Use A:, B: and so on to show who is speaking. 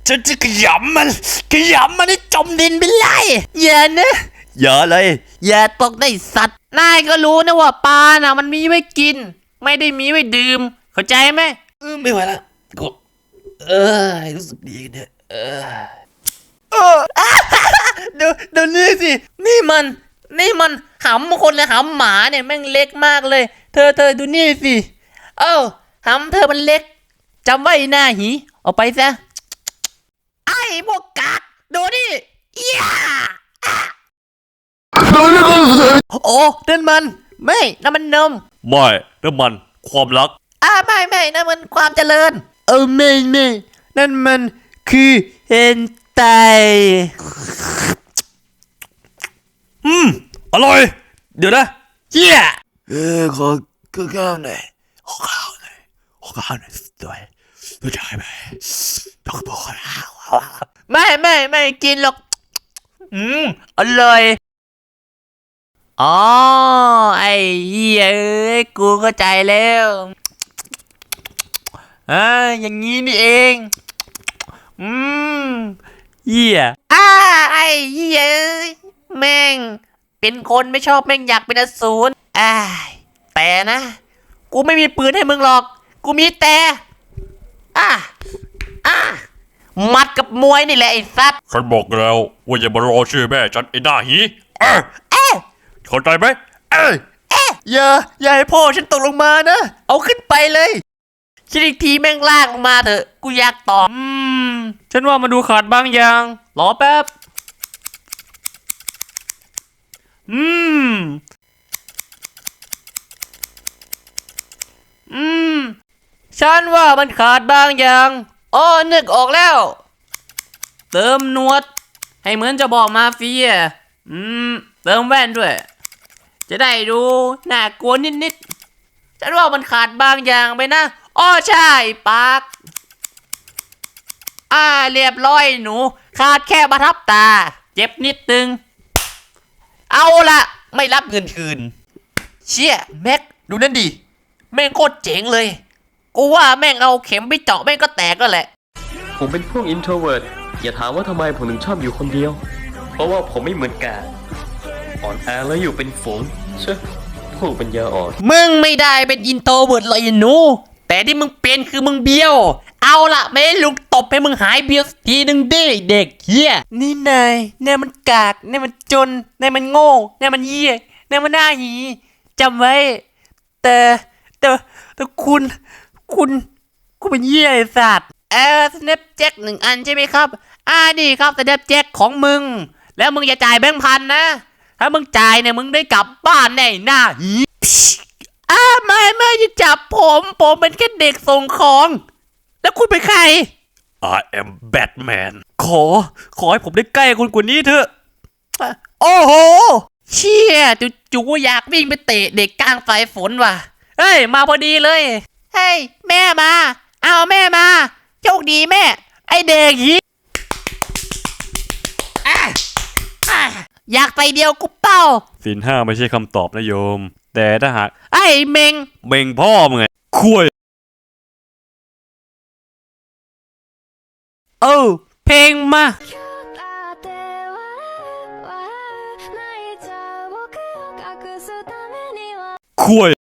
A: ฉันจะขยำมันให้จมดินไปเลยอย่านะอย่าเลยอย่าตกได้สัตว์นายก็รู้นะว่าปลาน่ะมันมีไว้กินไม่ได้มีไว้ดื่มเข้าใจไหมไม่ไหวละกูรู้สึกดีเนี่ยดูนี่สินี่มันหำคนเลยหำหมาเนี่ยแม่งเล็กมากเลยเธอดูนี่สิหำเธอมันเล็กจำไว้หน้าหีเอาไปซะไอ้พวกกากดูนี่ย่าโอ้นั่นมันไม่นั่นมันนม
B: ไม่นั่นมันความรัก
A: ไม่นั่นมันความเจริญไม่นั่นมันคือเฮนไต
B: อร่อยเดี๋ยวนะ
A: เหี้ย
B: ขอข้าวหน่อยขอข้าวหน่อยด้วยได้ไหมต้องบอกนะ
A: ไม่กินหรอกอร่อยอ๋อไอ้เหี้ยกูเข้าใจแล้วอย่างนี้นี่เองเหี้ยไอ้เหี้ยแม่งเป็นคนไม่ชอบแม่งอยากเป็นอสูรแต่นะกูไม่มีปืนให้มึงหรอกกูมีแต่มัดกับมวยนี่แหละไอ้สัตว์
B: ฉันบอกแล้วว่าอย่ามารอชื่อแม่ฉันไอ้หน้าหีเข้าใจไหม
A: อย่าให้พ่อฉันตกลงมานะเอาขึ้นไปเลยคิดอีกทีแม่งลากลงมาเถอะกูอยากตอบฉันว่ามาดูขาดบางอย่างรอแป๊บฉันว่ามันขาดบางอย่างนึกออกแล้วเติมหนวดให้เหมือนจะบอกมาเฟียเติมแว่นด้วยจะได้ดูน่ากลัวนิดฉันว่ามันขาดบางอย่างไปนะใช่ปากเรียบร้อยหนูขาดแค่ประทับตาเจ็บนิดนึงเอาละไม่รับเงินคืนเชี่ยแม็กดูนั่นดิแม่งโคตรเจ๋งเลยกูว่าแม่งเอาเข็มไปเจาะแม่งก็แตกก็แหละ
C: ผมเป็นพวก introvert อย่าถามว่าทำไมผมถึงชอบอยู่คนเดียวเพราะว่าผมไม่เหมือนแกอ่อนแอแล้วอยู่เป็นฝูงเชื่อพวกปัญญาอ่อน
A: มึงไม่ได้เป็นอินโทรเวิร์ตเลยหนูแต่ที่มึงเป็นคือมึงเบี้ยวเอาละไม่ให้ลุงตบให้มึงหายเบี้ยวสักทีนึงดิเด็กเหี้ยนี่นายเนี่ยมันกากเนี่ยมันจนเนี่ยมันโง่เนี่ยมันเหี้ยเนี่ยมันหน้าหีจำไว้แต่คุณเป็นเหี้ยไอ้สัตว์สแนปแจ็ค1 อันใช่ไหมครับนี่ครับสแนปแจ็คของมึงแล้วมึงอย่าจ่ายแบงค์พันนะถ้ามึงจ่ายเนี่ยมึงได้กลับบ้านแน่หน้าหีไม่จะจับผมเป็นแค่เด็กส่งของแล้วคุณเป็นใคร
B: I am Batman
A: ขอให้ผมได้ใกล้คุณกว่านี้เถอะโอ้โหเชี่ยจู่อยากวิ่งไปเตะเด็กกลางสายฝนว่ะเฮ้ยมาพอดีเลยเฮ้ยแม่มาเอาแม่มาโชคดีแม่ไอเด็กหีอยากไปเดียวกูเป้า
B: ศีล 5ไม่ใช่คำตอบนะโยมแต่ถ้าหาก
A: ไอ้เม
B: งพ่อมึงไงคุย
A: เพลงมา
B: คุย